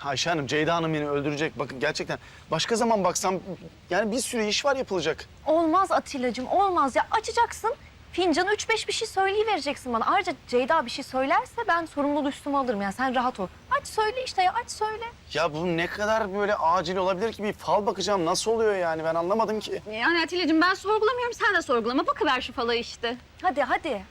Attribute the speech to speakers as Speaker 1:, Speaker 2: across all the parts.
Speaker 1: Ayşe Hanım, Ceyda Hanım beni öldürecek. Bakın gerçekten başka zaman baksam yani bir sürü iş var yapılacak.
Speaker 2: Olmaz Atilla'cığım, olmaz ya. Açacaksın, fincanı 3-5 bir şey söyleyivereceksin bana. Ayrıca Ceyda bir şey söylerse ben sorumluluğu üstüme alırım. Yani sen rahat ol. Aç söyle işte ya, aç söyle.
Speaker 1: Ya bu ne kadar böyle acil olabilir ki? Bir fal bakacağım. Nasıl oluyor yani? Ben anlamadım ki.
Speaker 3: Yani Atilla'cığım ben sorgulamıyorum, sen de sorgulama. Bakıver şu falayı işte.
Speaker 2: Hadi, hadi.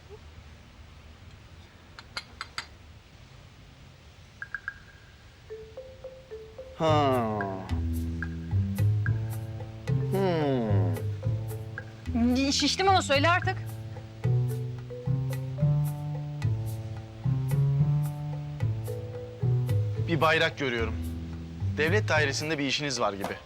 Speaker 1: Ha.
Speaker 3: Şiştim ama söyle artık.
Speaker 1: Bir bayrak görüyorum. Devlet dairesinde bir işiniz var gibi.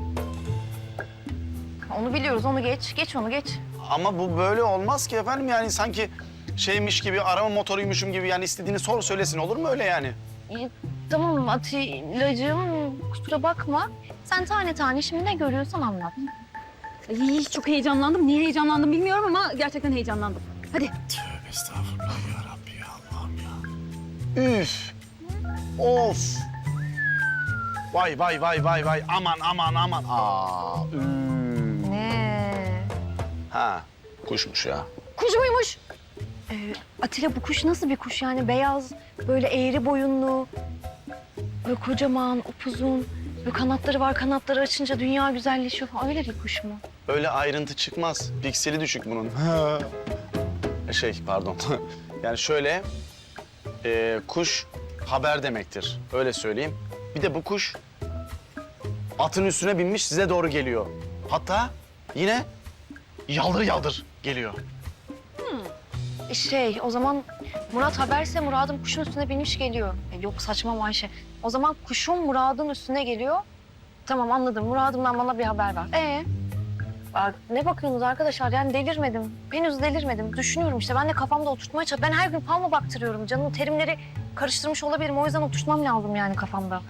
Speaker 2: Onu biliyoruz, onu geç. Geç onu, geç.
Speaker 1: Ama bu böyle olmaz ki efendim. Yani sanki şeymiş gibi, arama motoruymuşum gibi. Yani istediğini sor söylesin. Olur mu öyle yani?
Speaker 2: Tamam Atilla'cığım, kusura bakma. Sen tane tane şimdi ne görüyorsan anlat.
Speaker 3: Ay, çok heyecanlandım. Niye heyecanlandım bilmiyorum ama gerçekten heyecanlandım. Hadi.
Speaker 1: Tövbe estağfurullah ya Rabbi ya Allah'ım ya. Üf. Of. Vay vay vay vay vay. Aman aman aman. Aa.
Speaker 2: Ne?
Speaker 1: Ha. Kuşmuş ya.
Speaker 3: Kuş muymuş?
Speaker 2: Atilla bu kuş nasıl bir kuş yani? Beyaz, böyle eğri boyunlu, böyle kocaman, upuzun. Böyle kanatları var, kanatları açınca dünya güzelleşiyor falan. Öyle bir kuş mu?
Speaker 1: Öyle ayrıntı çıkmaz. Pikseli düşük bunun. Pardon. Yani şöyle, kuş haber demektir. Öyle söyleyeyim. Bir de bu kuş atın üstüne binmiş size doğru geliyor. Hatta yine yaldır yaldır geliyor.
Speaker 2: O zaman Murat haberse Murad'ın kuşun üstüne binmiş geliyor. Yok saçma Ayşe. O zaman kuşun Murad'ın üstüne geliyor. Tamam anladım. Murad'ımdan bana bir haber ver. Bak, ne bakıyorsunuz arkadaşlar? Yani delirmedim. Henüz delirmedim. Düşünüyorum işte. Ben de kafamda oturtmaya çalışıyorum. Ben her gün fal mı baktırıyorum? Canım terimleri karıştırmış olabilirim. O yüzden oturtmam lazım yani kafamda.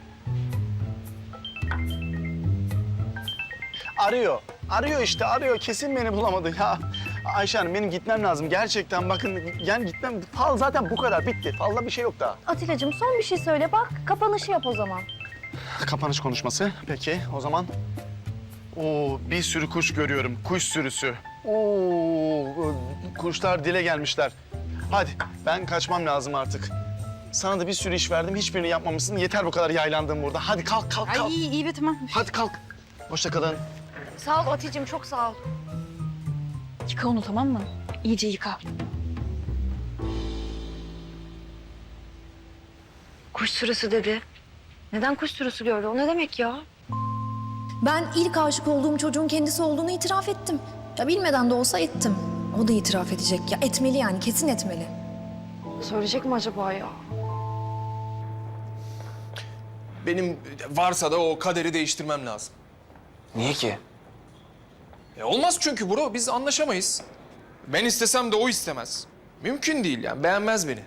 Speaker 1: Arıyor. Arıyor işte, arıyor. Kesin beni bulamadı ya. Ayşe Hanım, benim gitmem lazım. Gerçekten bakın, yani gitmem. Fal zaten bu kadar, bitti. Falda bir şey yok daha.
Speaker 2: Atilla'cığım son bir şey söyle. Bak kapanışı yap o zaman.
Speaker 1: Kapanış konuşması. Peki, o zaman. Oo, bir sürü kuş görüyorum. Kuş sürüsü. Oo, kuşlar dile gelmişler. Hadi, ben kaçmam lazım artık. Sana da bir sürü iş verdim. Hiçbirini yapmamışsın. Yeter bu kadar yaylandığım burada. Hadi kalk, kalk, kalk.
Speaker 3: Ay iyi be tamam.
Speaker 1: Hadi kalk. Hoşça kalın.
Speaker 2: Sağ ol Atilla'cığım çok sağ ol.
Speaker 3: Yıka onu tamam mı? İyice yıka.
Speaker 2: Kuş sürüsü dedi. Neden kuş sürüsü gördü? O ne demek ya?
Speaker 4: Ben ilk aşık olduğum çocuğun kendisi olduğunu itiraf ettim. Ya bilmeden de olsa ettim. O da itiraf edecek. Ya etmeli yani, kesin etmeli.
Speaker 2: Söyleyecek mi acaba ya?
Speaker 5: Benim varsa da o kaderi değiştirmem lazım.
Speaker 6: Niye ki?
Speaker 5: Olmaz çünkü bro, biz anlaşamayız. Ben istesem de o istemez. Mümkün değil yani, beğenmez beni.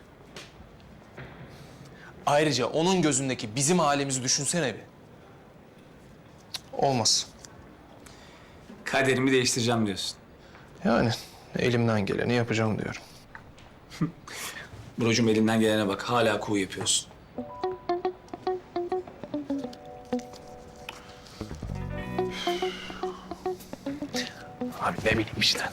Speaker 5: Ayrıca onun gözündeki bizim halimizi düşünsene bir. Cık, olmaz.
Speaker 6: Kaderimi değiştireceğim diyorsun.
Speaker 5: Yani elimden geleni yapacağım diyorum.
Speaker 6: Brocum elinden gelene bak. Hala kuğu yapıyorsun.
Speaker 5: Abi ne bileyim işte.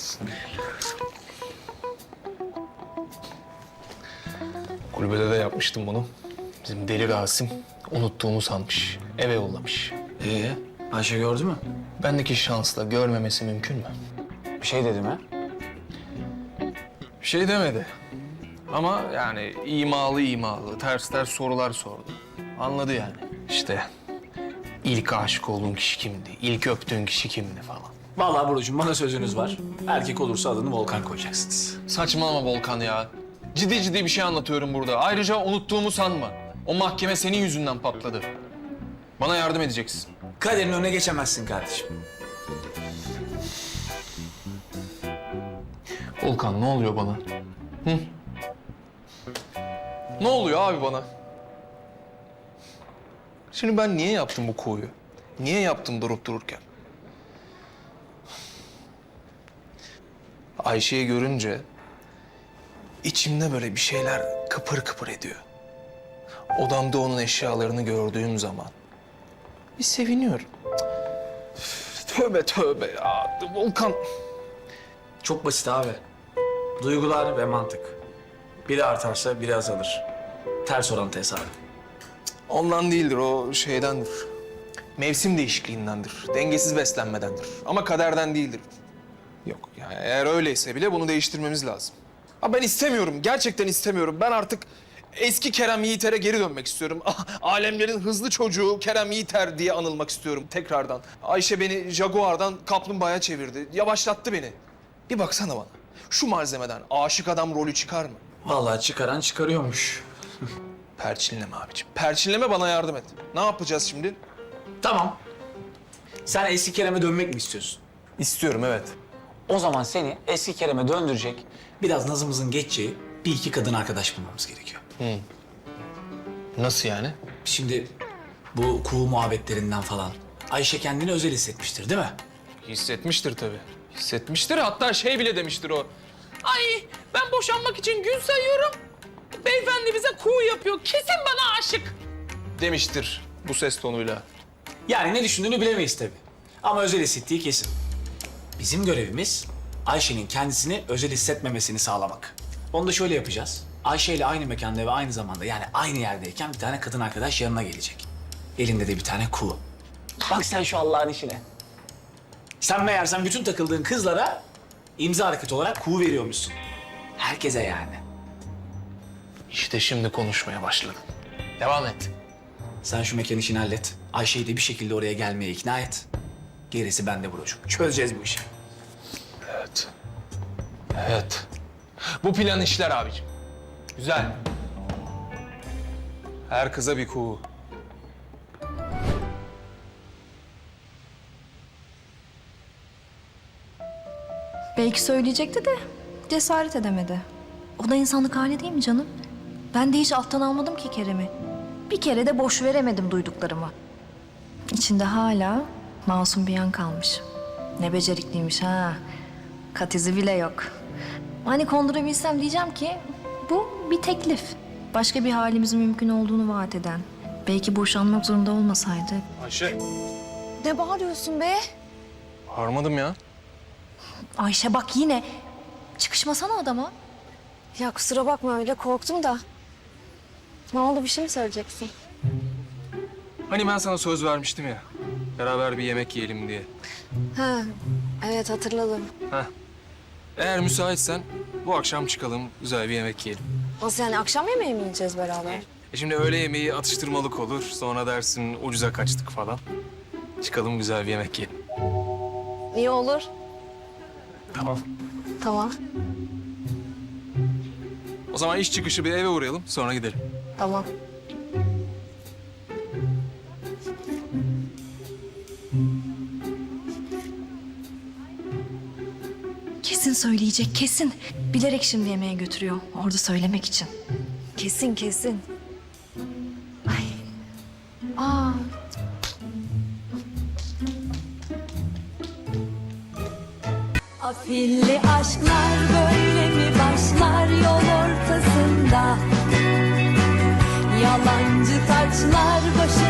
Speaker 5: Kulübede de yapmıştım bunu. Bizim deli Rasim unuttuğumu sanmış. Eve yollamış.
Speaker 6: Ayşe gördü mü?
Speaker 5: Bendeki şansla görmemesi mümkün mü?
Speaker 6: Bir şey dedi mi?
Speaker 5: Bir şey demedi. Ama yani imalı, ters sorular sordu. Anladı yani. İşte ilk aşık olduğun kişi kimdi, ilk öptüğün kişi kimdi falan.
Speaker 6: Vallahi Brocum bana sözünüz var. Erkek olursa adını Volkan koyacaksınız.
Speaker 5: Saçmalama Volkan ya. Ciddi bir şey anlatıyorum burada. Ayrıca unuttuğumu sanma. O mahkeme senin yüzünden patladı. Bana yardım edeceksin.
Speaker 6: Kaderin önüne geçemezsin kardeşim.
Speaker 5: Volkan ne oluyor bana? Hı? Ne oluyor abi bana? Şimdi ben niye yaptım bu koyu? Niye yaptım durup dururken? Ayşe'yi görünce içimde böyle bir şeyler kıpır kıpır ediyor. odamda onun eşyalarını gördüğüm zaman bir seviniyorum. Tövbe tövbe ya Volkan.
Speaker 6: Çok basit abi. Duygular ve mantık. Biri artarsa biri azalır. Ters orantı hesabı.
Speaker 5: Ondan değildir, o şeydendir. Mevsim değişikliğindendir, dengesiz beslenmedendir. Ama kaderden değildir. Yok yani eğer öyleyse bile bunu değiştirmemiz lazım. Ha ben istemiyorum, gerçekten istemiyorum. Ben artık eski Kerem Yiğiter'e geri dönmek istiyorum. Alemlerin hızlı çocuğu Kerem Yiğiter diye anılmak istiyorum tekrardan. Ayşe beni Jaguar'dan kaplumbağaya çevirdi, yavaşlattı beni. Bir baksana bana, şu malzemeden aşık adam rolü çıkar mı?
Speaker 6: Vallahi çıkaran çıkarıyormuş.
Speaker 5: Perçinleme abiciğim, perçinleme, bana yardım et. Ne yapacağız şimdi?
Speaker 6: Tamam. Sen eski Kerem'e dönmek mi istiyorsun?
Speaker 5: İstiyorum, evet.
Speaker 6: O zaman seni eski Kerem'e döndürecek, biraz nazımızın geçeceği bir iki kadın arkadaş bulmamız gerekiyor.
Speaker 5: Nasıl yani?
Speaker 6: Şimdi bu kuğu muhabbetlerinden falan Ayşe kendini özel hissetmiştir değil mi?
Speaker 5: Hissetmiştir tabii. Hissetmiştir, hatta şey bile demiştir o. Ay ben boşanmak için gün sayıyorum. Beyefendi bize kuğu yapıyor. Kesin bana aşık. Demiştir bu ses tonuyla.
Speaker 6: Yani ne düşündüğünü bilemeyiz tabii. Ama özel hissettiği kesin. Bizim görevimiz Ayşe'nin kendisini özel hissetmemesini sağlamak. Onu da şöyle yapacağız. Ayşe ile aynı mekanda ve aynı zamanda yani aynı yerdeyken bir tane kadın arkadaş yanına gelecek. Elinde de bir tane kuğu. Bak sen şu Allah'ın işine. Sen meğersem bütün takıldığın kızlara imza hareketi olarak kuğu veriyormuşsun. Herkese yani.
Speaker 5: İşte şimdi konuşmaya başladım. Devam et.
Speaker 6: Sen şu mekan işini hallet. Ayşe'yi de bir şekilde oraya gelmeye ikna et. Gerisi bende brocuğum. Çözeceğiz bu işi.
Speaker 5: Evet. Evet. Bu plan işler abiciğim. Güzel. Her kıza bir kuğu.
Speaker 4: Belki söyleyecekti de cesaret edemedi. O da insanlık hali değil mi canım? Ben de hiç alttan almadım ki Kerem'i. Bir kere de boş veremedim duyduklarımı. İçinde hala masum bir yan kalmış. Ne becerikliymiş ha. Kat izi bile yok. Hani kondurabilsem diyeceğim ki bu bir teklif. Başka bir halimizin mümkün olduğunu vaat eden. Belki boşanmak zorunda olmasaydı.
Speaker 5: Ayşe.
Speaker 4: Ne bağırıyorsun be?
Speaker 5: Harmadım ya.
Speaker 4: Ayşe bak yine. Çıkışmasana adama.
Speaker 2: Ya kusura bakma öyle korktum da. Ne oldu, bir şey mi söyleyeceksin?
Speaker 5: Hani ben sana söz vermiştim ya. Beraber bir yemek yiyelim diye.
Speaker 2: Ha, evet hatırladım.
Speaker 5: Heh. Eğer müsaitsen bu akşam çıkalım, güzel bir yemek yiyelim.
Speaker 2: Nasıl yani, akşam yemeği mi yiyeceğiz beraber?
Speaker 5: Şimdi öğle yemeği atıştırmalık olur. Sonra dersin ucuza kaçtık falan. Çıkalım güzel bir yemek yiyelim.
Speaker 2: İyi olur.
Speaker 5: Tamam.
Speaker 2: Tamam,
Speaker 5: O zaman iş çıkışı bir eve uğrayalım, sonra gidelim.
Speaker 2: tamam.
Speaker 4: Kesin söyleyecek, kesin. Bilerek şimdi yemeğe götürüyor. Orada söylemek için.
Speaker 2: Kesin kesin. Ay. Aa.
Speaker 7: Afilli aşklar böyle mi başlar yol ortasında? Yalancı taçlar başı